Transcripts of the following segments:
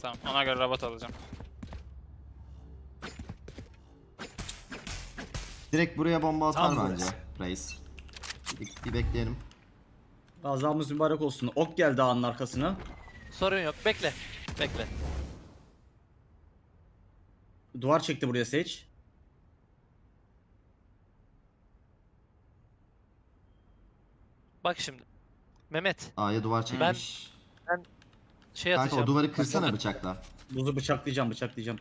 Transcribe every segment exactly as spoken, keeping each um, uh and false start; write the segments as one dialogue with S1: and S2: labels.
S1: Tamam, ona göre robot alacağım.
S2: Direkt buraya bomba atar
S3: Tam
S2: bence
S3: burası.
S2: reis. Bir, bir bekleyelim.
S4: Gazamız mübarek olsun. Ok geldi ağanın arkasına.
S5: Sorun yok. Bekle. Bekle.
S4: Duvar çekti buraya Sage.
S5: Bak şimdi. Mehmet.
S2: A'ya duvar çekmiş.
S5: Şey
S2: Kanka
S5: atacağım.
S2: o duvarı kırsana bıçakla.
S4: Buzu bıçaklayacağım bıçaklayacağım.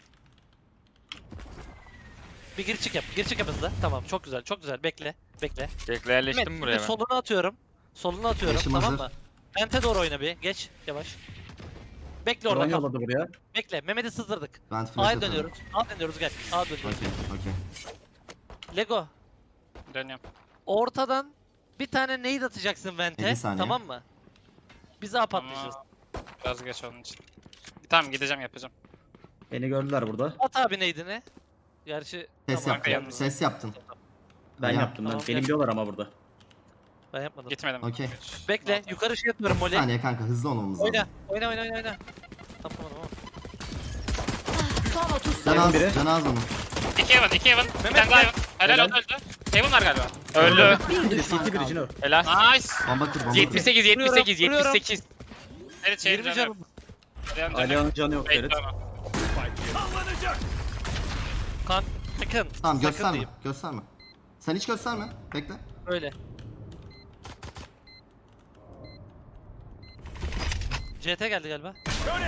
S5: Bir gir çık yap. Gir çık yap hızlı. Tamam çok güzel çok güzel. Bekle. Bekle.
S1: Bekle yerleştim
S5: Mehmet,
S1: buraya ben.
S5: solunu atıyorum. Solunu atıyorum
S2: Yaşım
S5: tamam
S2: hazır.
S5: mı? Vente doğru oyna bir. Geç yavaş. Bekle orada
S4: Drone
S5: kal.
S4: yolladı buraya.
S5: Bekle. Mehmet'i sızdırdık.
S2: Ben flash
S5: A'ya
S2: atarım.
S5: dönüyoruz. A'ya dönüyoruz gel. A'ya dönüyoruz.
S2: Okey okey.
S5: Lego.
S1: Dönüyorum.
S5: Ortadan bir tane nade atacaksın Vente.
S2: elli saniye.
S5: Tamam mı? Biz A patlayacağız.
S1: Ama biraz geç onun için. Tamam gideceğim yapacağım.
S4: Beni gördüler burada.
S5: At abi nade'ini. Gerçi
S2: Ses
S5: tamam,
S2: yaptın.
S1: yalnız.
S2: Ses yaptın.
S4: Ben
S2: Ya.
S4: yaptım ben.
S5: Tamam,
S4: Beni
S5: gel.
S4: biliyorlar ama burada.
S5: ben yapmadım.
S1: Gitmedim.
S2: Okey.
S5: Bekle. Yukarı şey yapıyorum
S2: Bir
S5: Molly.
S2: saniye kanka hızlı olmamız lazım.
S5: Oyna. Oyna oyna oyna oyna. Tamam tamam.
S6: Son otuz
S2: Can
S4: Evan
S2: az,
S4: biri.
S2: can az onun.
S1: İki Evan, iki Evan. Bir tane daha Evan. Helal
S4: Helal.
S1: oldu öldü. Evan var galiba. Öldü.
S4: Biri C T biri Cino.
S1: Helal. Nice.
S2: Bomba kır bomba kır.
S1: yetmiş sekiz, yetmiş sekiz,
S5: Vuruyorum,
S1: yetmiş sekiz. Evet şey
S5: yirmi
S1: canım.
S5: canım.
S4: Alihan canı yok Ferit.
S5: Kan. Sakın.
S2: Tamam
S5: sakın
S2: gösterme.
S5: diyeyim.
S2: Gösterme. Sen hiç gösterme. Bekle.
S5: Öyle. C T geldi galiba.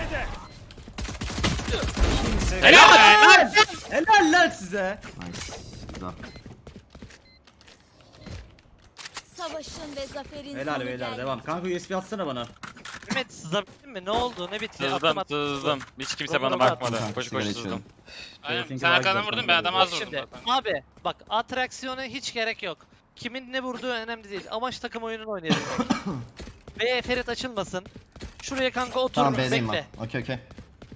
S1: Helal.
S4: Helal lan size.
S2: Nice. Güzel.
S6: Savaşın ve zaferin
S4: Helal
S6: sonu
S4: beyler
S6: geldi.
S4: devam. Kanka U S B atsana bana.
S5: Mehmet sızabildin mi? Ne oldu? Ne bitti?
S1: Sızdım,
S5: Attım, attım.
S1: sızdım. Hiç kimse bana
S5: Robot'a
S1: bakmadı.
S2: attım.
S1: Koş
S2: Sigara
S1: koş
S2: içiyorum.
S1: sızdım.
S4: Aynen,
S1: Aynen.
S4: sen
S1: Sen arkadan
S4: güzel
S1: vurdun ben adam
S5: Bak
S1: az vurdum
S5: şimdi.
S1: zaten.
S5: Abi bak atraksiyona hiç gerek yok. Kimin ne vurduğu önemli değil. Amaç takım oyununu oynayalım. Ve Ferit açılmasın. Şuraya kanka otur.
S2: Tamam B'deyim
S5: bekle.
S2: ben. Okey okey.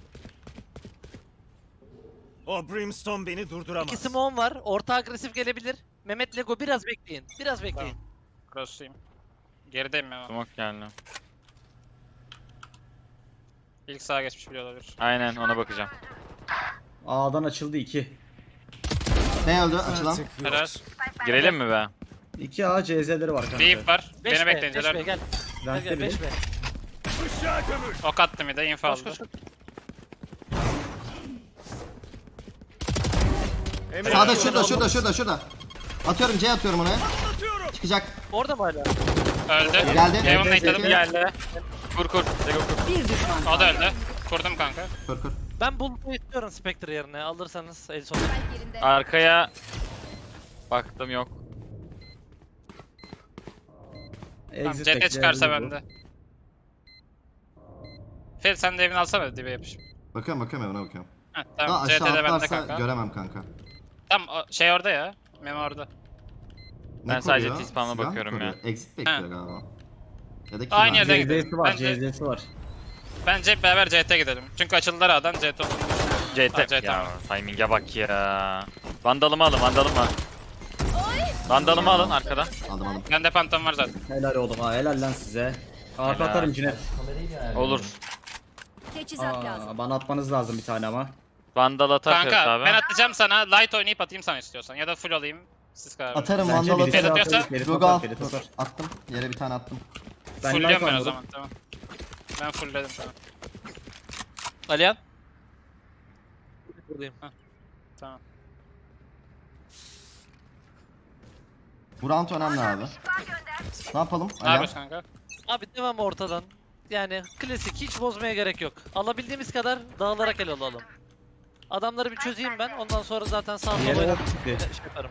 S3: O Brimstone beni durduramaz.
S5: İki smoke var. Orta agresif gelebilir. Mehmet Lego biraz bekleyin. Biraz bekleyin.
S1: Cross'uyum. Gerideyim ben.
S7: Smoke geldi.
S1: İlk sağa geçmiş bile olabilir.
S7: Aynen ona bakacağım.
S4: A'dan açıldı iki.
S2: Ne öldü açılan?
S3: Artık yok.
S1: Helal.
S7: Girelim mi be?
S4: iki A C Z'leri var kanka.
S1: Deep var.
S5: beş
S1: Beni
S5: B,
S1: bekleyin.
S5: beş B,
S1: Celal.
S5: gel. Gel
S4: Vent'te
S5: gel
S4: biri.
S5: beş B.
S3: Işığa gömül.
S1: Ok attım bir de info
S5: Koş
S1: aldı.
S5: koş koş.
S3: Emre
S2: Sağda şurada şurada şurada şurada. Atıyorum C atıyorum ona. Çıkacak.
S5: Orada mı hala?
S1: Öldü.
S2: Geldi.
S1: Evan
S4: Evet,
S1: nate'ladım.
S4: evet.
S1: Geldi.
S7: Kur kur. Lego kur.
S6: Bir düşman.
S1: O da öldü. Kurdum kanka.
S2: Kır kır.
S5: Ben Bulut'u istiyorum Spectre yerine. Alırsanız el sonu.
S7: Arkaya baktım yok.
S1: Tamam,
S4: Exit
S1: C T
S4: bekle,
S1: çıkarsa
S4: öldü bu.
S1: bende. Ferit sen de evini alsana dibe yapış.
S2: Bakıyorum bakıyorum evine bakıyorum.
S1: Heh,
S2: Daha
S1: tamam C
S2: aşağı
S1: T'de bende
S2: atlarsa
S1: kanka.
S2: göremem kanka.
S1: Tamam o şey orada ya. Memo orada.
S2: Ne
S7: Ben sadece
S2: koruyor?
S7: T-spawn'a
S2: Silah mı
S7: bakıyorum ya.
S2: koruyor? Exit bekliyor galiba. Ya da
S1: Aynı
S2: kill
S1: yerde
S2: var.
S1: gidelim.
S4: C Z'si var
S1: Bence-
S4: C Z'si var.
S1: Bence beraber C T gidelim. Çünkü açıldılar A'dan C T oldu.
S7: C
S1: Ha,
S7: T.
S1: C T.
S7: Ya timing'e bak ya. Vandalımı alın vandalımı. Vandalımı alın arkadan.
S2: Aldım aldım.
S1: Bende pantom var zaten.
S4: Helal oğlum ha helal lan size. Arka
S7: Helal.
S4: atarım Cinet.
S7: Olur.
S6: Teçhizat lazım.
S4: Aa, bana atmanız lazım bir tane ama.
S7: Vandal atar Ferit
S1: Kanka
S7: abi.
S1: ben atacağım sana. Light oynayıp atayım sana istiyorsan. Ya da full alayım. Siz karar verin.
S2: Atarım
S4: Bence
S2: vandal
S4: birisi
S2: atarım.
S1: Ferit
S4: atar,
S1: atıyorsa-
S4: Ferit
S2: Rogo
S4: atar,
S2: al.
S4: Ferit
S2: Dur,
S4: atar.
S2: Attım. Yere bir tane attım.
S4: Ben
S1: Fullliyorum
S4: life
S1: ben o
S4: aldım.
S1: zaman tamam. Ben fullledim tamam.
S5: Alihan. Buradayım.
S1: Tamam.
S2: Bu round önemli abi. Ne yapalım?
S1: Ne
S2: Alo.
S1: yapıyorsun kanka?
S5: Abi devam ortadan. Yani klasik hiç bozmaya gerek yok. Alabildiğimiz kadar dağılarak el alalım. Adamları bir çözeyim ben. Ondan sonra zaten sağ sola
S4: Yere
S5: oynayıp
S4: ok çıktı.
S5: şey yaparım.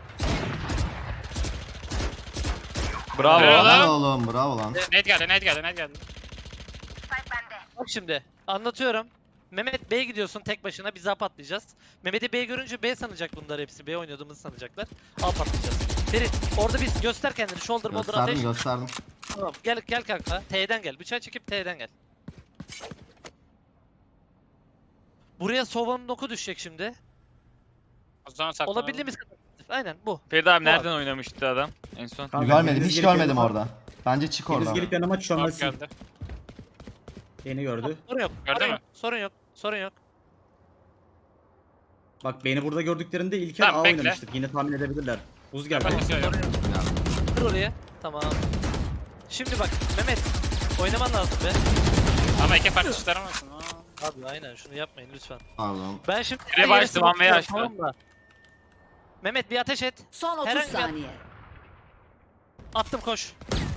S7: Bravo.
S1: Bravo.
S2: Helal oğlum bravo lan.
S1: Nate geldi, Nate geldi, Nate geldi.
S5: Bak şimdi anlatıyorum. Mehmet B'ye gidiyorsun tek başına, biz A patlayacağız. Mehmet'i B görünce B sanacak bunlar hepsi. B oynadığımızı sanacaklar. A patlayacağız. Ferit orada biz göster kendini. Shoulder molder
S2: Gösterdim
S5: ateş.
S2: gösterdim.
S5: Tamam gel gel kanka. T'den gel. Bıçağı çekip T'den gel. Buraya Sova'nın oku düşecek şimdi.
S1: O zaman saklanalım.
S5: Olabildiğimiz kadar. Aynen bu.
S7: Ferit abi
S5: Bu
S7: nereden oynamıştı adam en son?
S4: Kanka,
S2: Görmedim
S4: biriniz
S2: hiç
S4: gelip
S2: görmedim
S4: yanıma-
S2: orada. Bence çık
S4: Biriniz
S2: oradan.
S4: gelip yanıma
S1: Short
S4: çömelsin.
S1: geldi.
S4: Beni gördü.
S5: Sorun yok.
S1: Gördün
S5: sorun
S1: mü?
S5: yok. Sorun yok. Sorun yok.
S4: Bak beni burada gördüklerinde İlker
S1: Tamam,
S4: A
S1: bekle.
S4: oynamıştık. Yine tahmin edebilirler. Buz geldi.
S1: Bak, istiyorum.
S5: Kır oraya. Tamam. Şimdi bak Mehmet. Oynaman lazım be.
S1: Ama iki farklı çıkaramazsın. Aa.
S5: Abi aynen şunu yapmayın lütfen.
S2: Pardon.
S5: Ben şimdi
S7: Bire
S5: her
S7: başladı,
S5: yere smoke
S7: one way
S5: atıyorum,
S7: açtı.
S5: tamam mı? Mehmet bir ateş et.
S6: Son otuz
S5: Herhangi bir-
S6: saniye.
S5: Attım koş.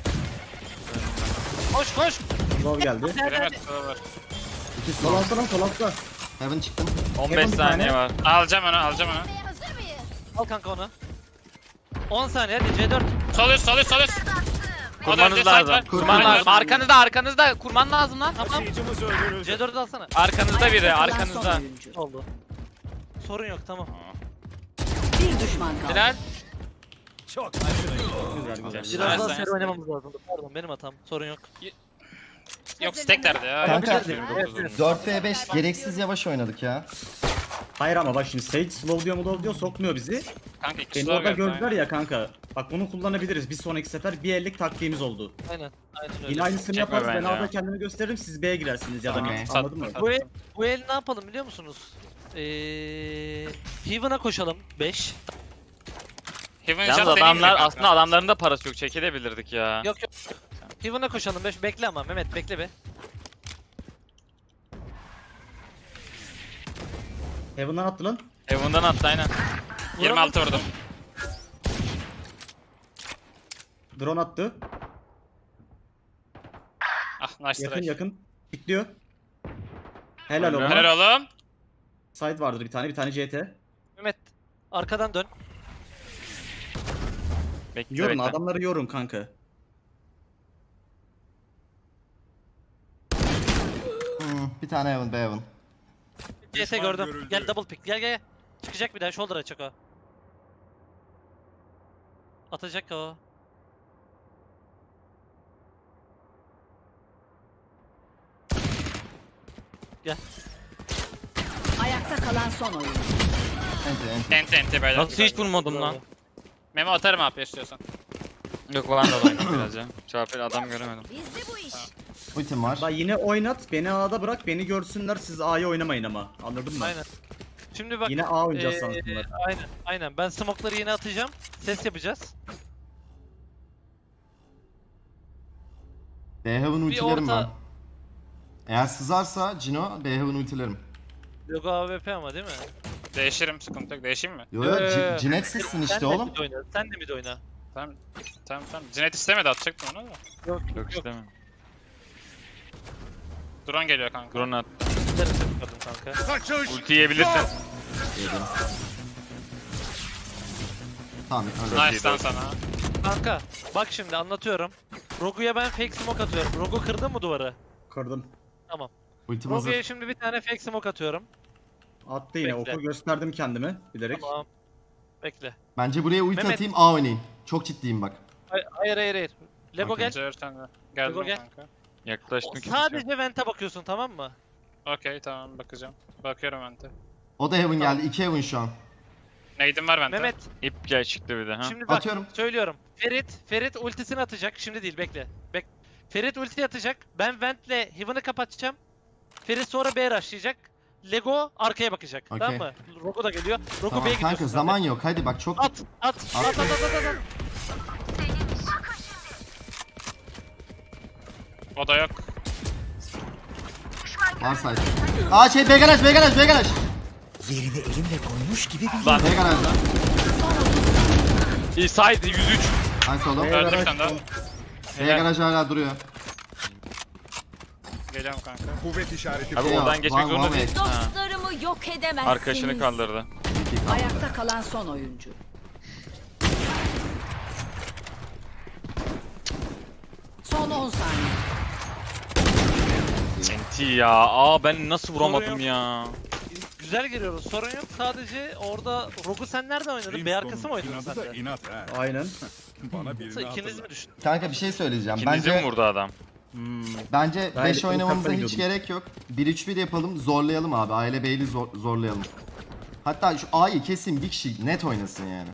S5: Koş koş.
S4: Love geldi.
S1: Bilemez, sola var.
S2: İki
S4: Sol
S2: slow.
S4: altta lan sol altta.
S2: Heaven çıktım.
S7: on
S4: Yakın
S7: beş
S4: bir
S7: saniye
S4: tane.
S7: var.
S1: Alacağım onu, alacağım onu.
S6: Hazır mıyız?
S5: Al kanka onu. on saniye hadi C dört.
S1: Sol üst, sol üst, sol üst. O da önce
S7: Kurmanız
S1: side
S7: lazım.
S1: var.
S7: Kurman
S1: Side var.
S7: lazım. Arkanızda arkanızda. Kurman lazım lan.
S5: Tamam.
S3: Taşıyıcımız öldürüldü.
S5: C dördü alsana.
S7: Arkanızda biri
S6: Ayakta kalan son
S7: arkanızda.
S6: oyuncu.
S5: Oldu. Sorun yok tamam.
S6: Bir düşman kaldı.
S7: Helal.
S3: Çok
S4: Güzel güzel.
S5: Biraz
S1: Nice,
S5: daha
S1: nice.
S5: seri oynamamız lazım. Pardon benim hatam. Sorun yok.
S1: Yok stacklerdi ya.
S2: Kanka
S5: Evet, evet.
S2: dört ve beş gereksiz yavaş oynadık ya.
S4: Hayır ama bak şimdi Sage slow diyor mu diyor sokmuyor bizi.
S1: Kanka iki
S4: Beni
S1: slow
S4: orada
S1: geldi.
S4: gördüler
S1: aynen.
S4: ya kanka. Bak bunu kullanabiliriz. Bir sonraki sefer bir ellik taktiğimiz oldu.
S5: Aynen. Aynen öyle.
S4: Yine aynısını
S7: Çekme
S4: yaparız. Ben
S7: bence ya.
S4: A'da kendimi gösteririm. Siz B'ye girersiniz ya da
S2: Tamam.
S4: mid.
S1: Sat-
S4: Anladın mı?
S1: sat-
S5: Bu el, bu el ne yapalım biliyor musunuz? Eee Heaven'a koşalım beş.
S1: Heaven
S7: Yalnız
S1: shot deneyeyim mi
S7: adamlar
S1: kanka?
S7: aslında adamların da parası yok. Çekilebilirdik ya.
S5: Yok yok. Heaven'a koşalım beş. Bekle ama Mehmet bekle be.
S4: Heaven'dan attı lan.
S7: Heaven'dan attı aynen.
S1: yirmi altı vurdum.
S4: Drone attı.
S1: Ah nice
S4: Yakın
S1: try.
S4: yakın. Pikliyor. Helal
S7: Helal.
S4: olsun.
S1: Helal oğlum.
S4: Side vardır bir tane. Bir tane C T.
S5: Mehmet arkadan dön.
S7: Bekle
S4: Yorun
S7: bekle.
S4: adamları yorun kanka.
S2: Hmm, bir tane Heaven, B Heaven.
S5: C S gördüm. Gel double pick. Gel gel. Çıkacak bir daha shoulder açacak o. Atacak o.
S6: Ayakta kalan son oyuncu.
S2: Enti enti.
S1: Enti enti böyle.
S7: Nasıl hiç vurmadım lan?
S1: Memo atarım abi istiyorsan.
S7: Yok falan da oynadım biraz ya. Çarpıyla adam göremedim.
S6: Bizde bu iş.
S2: Ultim var.
S4: Bak yine oynat. Beni A'da bırak. Beni görsünler. Siz A'ya oynamayın ama. Anladın mı?
S5: Aynen. Şimdi bak.
S4: Yine A oynayacağız
S5: eee,
S4: sanırsınlar.
S5: aynen aynen. Ben smoke'ları yine atacağım. Ses yapacağız.
S2: B Heaven ultilerim
S5: orta-
S2: ben. Eğer sızarsa Cino B Heaven ultilerim.
S5: Logo A W P ama değil mi?
S1: Değişirim sıkıntı yok. Değişeyim mi?
S2: Yo yo
S5: Ee,
S2: C- Cinet sizsin
S5: Sen
S2: işte
S5: de
S2: oğlum.
S5: mid oyna. Sen de mid oyna.
S1: Tamam. Tamam tamam. Cinet istemedi atacaktım onu da.
S5: Yok
S7: Yok istemiyorum.
S1: Drone geliyor kanka.
S7: Drone at.
S5: Giderim kadın kanka.
S3: kaçış.
S7: Ulti yiyebilirsin.
S2: Yedim. Tamam öyle.
S7: Çok iyi
S1: Nice lan
S7: oldu.
S1: sana.
S5: Kanka bak şimdi anlatıyorum. Rogu'ya ben fake smoke atıyorum. Rogu kırdın mı duvarı?
S4: Kırdım.
S5: Tamam.
S2: Ultim
S5: Rogu'ya
S2: hazır.
S5: şimdi bir tane fake smoke atıyorum.
S4: Attı yine.
S5: Bekle.
S4: Oku gösterdim kendimi. Bilerek.
S5: Tamam. Bekle.
S2: Bence buraya ulti
S5: Mehmet.
S2: atayım A oynayın. Çok ciddiyim bak.
S5: Hayır hayır hayır. hayır. Lego
S2: Okey.
S5: gel.
S1: Cevher sen de. Geldim
S5: Lego gel.
S1: kanka.
S7: Yaklaştım
S5: O-
S7: ki.
S5: Sadece vent'e bakıyorsun tamam mı?
S1: Okey tamam bakacağım. Bakıyorum bente.
S2: O da Heaven geldi. iki Heaven şu an.
S1: Nade'im var bente.
S5: Mehmet
S7: İp gel çıktı bir de ha.
S5: şimdi bak
S2: Atıyorum.
S5: söylüyorum. Ferit Ferit ultisini atacak. Şimdi değil bekle. Bek Ferit ulti atacak. Ben vent'le Heaven'ı kapatacağım. Ferit sonra B rushlayacak. Lego arkaya bakacak.
S2: Okey.
S5: Tamam mı? Rogo da geliyor. Rogo
S2: Tamam
S5: B'ye gidiyorsun.
S2: kanka
S5: sen
S2: zaman
S5: de.
S2: yok. Hadi bak çok
S5: At at at at at at at. at.
S1: O da yok.
S2: var site. Aa şey B garaj B garaj B garaj.
S7: Lan
S2: B garajda.
S7: iyi side yüz üç.
S2: Nice oğlum.
S4: B
S1: Öldü bir
S4: garaj
S1: tane daha.
S2: B
S7: Helal.
S2: garaj hala duruyor.
S1: Geliyorum kanka.
S3: Kuvvet işareti.
S7: Abi
S2: Şey
S7: oradan
S2: yok,
S7: geçmek
S2: one-
S7: zorunda
S2: one
S7: değil.
S2: way.
S7: Ha.
S6: Dostlarımı yok edemezsiniz.
S7: Arkadaşını kaldırdı.
S2: İki kaldı.
S6: Ayakta kalan son oyuncu. Son on saniye.
S7: Enti ya. Aa ben nasıl vuramadım
S5: Sorun
S7: ya.
S5: Güzel giriyoruz. Sorun yok. Sadece orada Rogu sen nerede oynadın? B arkası mı oynadın sen de?
S3: İnat ha.
S4: Aynen.
S3: Bana birini
S5: Nasıl ikiniz
S3: hatırlat.
S5: mi düştün?
S2: Kanka bir şey söyleyeceğim.
S7: İkinizi mi
S2: Bence
S7: vurdu adam?
S4: Hmm.
S2: bence
S4: Ben
S2: beş
S4: de
S2: oynamamıza
S4: uçakla
S2: hiç
S4: gidiyordum.
S2: gerek yok. bir üç bir yapalım, zorlayalım abi. Aile Beyli zor, zorlayalım. Hatta şu A'yı kesin bir kişi net oynasın yani.